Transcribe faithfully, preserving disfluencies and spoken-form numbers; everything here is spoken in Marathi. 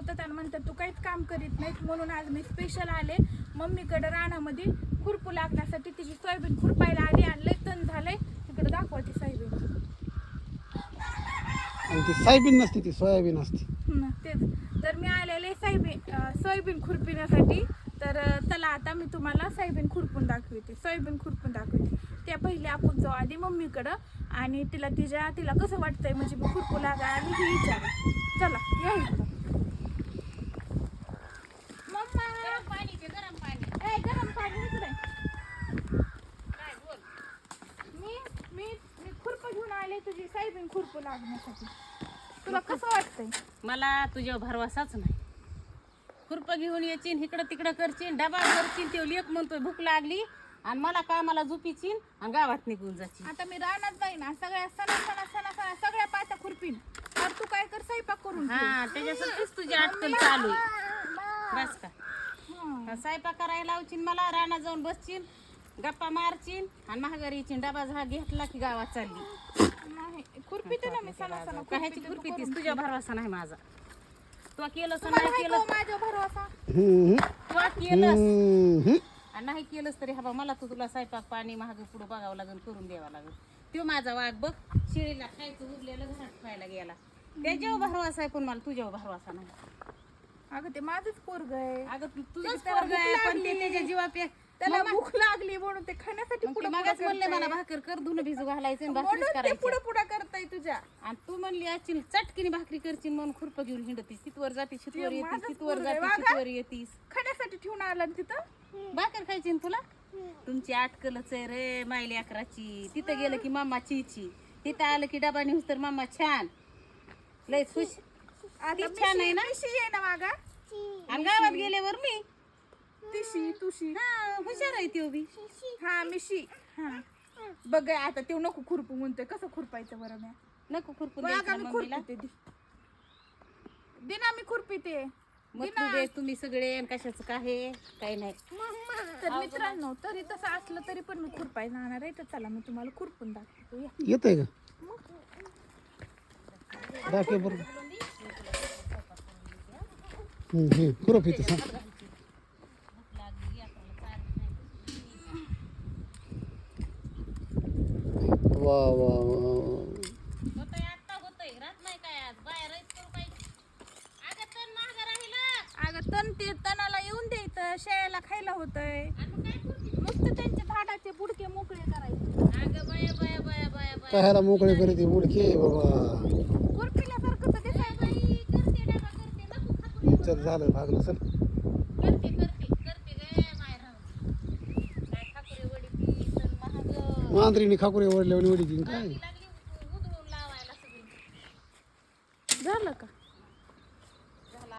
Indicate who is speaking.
Speaker 1: बोलतात आणि म्हणतात तू काहीच काम करीत नाहीत, म्हणून आज मी स्पेशल आले मम्मीकडे रानामध्ये खुरपू लागण्यासाठी. तिची सोयाबीन खुरपायला आली आणि लय तण झालंय. तिकडे दाखवा ती सोयाबीन.
Speaker 2: आणि ती सोयाबीन नसते, ती सोयाबीन असते.
Speaker 1: हं, तेच तर मी आलेले सोयाबीन सोयाबीन खुरपिण्यासाठी. तर चला आता मी तुम्हाला सोयाबीन खुरपून दाखवते, सोयाबीन खुरपून दाखवते. त्या पहिले आपण जाऊ आधी मम्मीकडं आणि तिला तिच्या तिला कसं वाटतंय म्हणजे मी खुरपू लागा आणि ही विचारू. चला या इकडं. मम्मा
Speaker 3: गरम पाणी ते गरम पाणी.
Speaker 1: ए गरम पाणी इकडे.
Speaker 3: काय बोल.
Speaker 1: मी मी मी खुरपं घेऊन आले तुझी सोयाबीन खुरपू लागण्यासाठी. तुला कसं वाटतंय?
Speaker 3: मला तुझ्यावर भरवसाच नाही. खुरपं घेऊन येचीन, इकडं तिकडं करचीन, डबा करचीन. ते लेक म्हणतोय भूक लागली आणि मला कामाला झोपीचीन आणि गावात निघून जाची.
Speaker 1: आता मी रानात जाईन ना, सगळ्या सणा सणा सणा सणा सगळ्या पात्या खुरपीन. तर तू काय कर, स्वयंपाक करून ठेव.
Speaker 3: हा त्याच्यासाठीच तुझी अटकल चालू आहे. बस का
Speaker 1: हं.
Speaker 3: हा, स्वयंपाक करायला लावचीन मला, रानात जाऊन बसचीन, गप्पा मारचीन आणि महागारी येचीन. डबा झा घेतला की गावात चालली.
Speaker 1: नाही खुरपीते ना मी सणा सणा
Speaker 3: कायची खुरपी तीस, तुझ्या भरवसा नाही माझा. तू केलंस
Speaker 1: तुम्हाला
Speaker 3: नाही
Speaker 1: हाय का
Speaker 3: केलं
Speaker 1: हो माझ्या भरवसा?
Speaker 2: हम्म,
Speaker 3: तू केलंस
Speaker 2: हम्म.
Speaker 3: आणि नाही केलंस तरी हा मला तर तुला स्वयंपाक पाणी महाग पुढं बघावं लागेल, करून द्यावं लागेल. तो माझा वाघ बघ, शिळीला खायचं उरलेलं घरात खायला गेला. त्याच्यावर भरवासा आहे पण मला तुझ्यावर भरवासा नाही.
Speaker 1: अगं ते माझंच पोरग आहे.
Speaker 3: अगं तू तुझंच
Speaker 1: त्याला
Speaker 3: पोरगं आहे
Speaker 1: भूक
Speaker 3: पण ते
Speaker 1: लागली.
Speaker 3: त्याच्या जीवापे
Speaker 1: त्याला भूक लागली म्हणून ते खाण्यासाठी पुढे
Speaker 3: मगाच म्हणले मला भाकर कर, धुणं भिजू घालायचं आणि भाकरीच
Speaker 1: म्हणून ते
Speaker 3: करायची.
Speaker 1: पुढे पुढे करताय तुझ्या.
Speaker 3: आणि तू म्हणली अचिल चटकीने भाकरी करशील म्हणून खुरपं घेऊन हिंडतीस. तिथवर जातीस, शितवर येतीस,
Speaker 1: माझंच
Speaker 3: तिथवर
Speaker 1: पोरगं आहे,
Speaker 3: जातीस,
Speaker 1: वागा.
Speaker 3: शितवर येतीस.
Speaker 1: खाण्यासाठी ठेवून आला ना तिथं.
Speaker 3: भाकर खायची ना तुला? तुमची आटकलच आहे रे मायली अकराची. तिथं गेलं की मामा चीची, तिथं आलं की डबा नेऊस तर मामा छान. लय खुश.
Speaker 1: आता
Speaker 3: ती छान आहे ना?
Speaker 1: मिशी आहे ना मागा.
Speaker 3: आणि गावात गेल्यावर मी
Speaker 1: तिशी तुशी.
Speaker 3: हा हुशार आहे ती उभी.
Speaker 1: हा मिशी. हा बघ आता ते नको खुरपू म्हणतोय. कसं खुरपायचं बरं म्या?
Speaker 3: नको खुरपून
Speaker 1: बघ
Speaker 3: द्यायचं
Speaker 1: आम्ही
Speaker 3: ना मम्मीला.
Speaker 1: खुरपीते दी. दे ना मी खुरपीते.
Speaker 3: मग तू दे तुम्ही सगळे आणि कशाचं काय काही नाही.
Speaker 1: तर मित्रांनो, तरी तसं असलं तरी पण मी खुरपाय जाणार आहे. तर चला मी तुम्हाला खुरपून दाखवतो. या.
Speaker 2: येतंय का? दाखव बरं. हम्म, हम्म. खुरप येते सांग. वा वा वा.
Speaker 3: होतंय आता होतंय राहत नाही काय आज बाहेर करू पाहिजे. अगं तण महाग राहिला.
Speaker 1: अगं तण ते तणाला येऊन द्यायचं, शेळ्याला खायला होतंय.
Speaker 3: आणि मग काय करते?
Speaker 1: नुसतं त्यांच्या झाडाचे बुडके मोकळे करायचे.
Speaker 3: अगं बाया बाया बाया बाया बाया
Speaker 2: कायला मोकळे करते उडके बाबा.
Speaker 1: खुरपिल्यासारखं तर दिसायचं.
Speaker 3: बाई करते डबा करते नको खाकरू.
Speaker 2: चल झालं भागलं चल.
Speaker 3: करते करते करते गे माय राहू. काय खाकुरे वडी ती तण महाग.
Speaker 2: मांजरीने खाकुरे ओढल्यावर वडी दिन काय
Speaker 3: लागली उधळून लावायला सगळी.
Speaker 1: झालं का?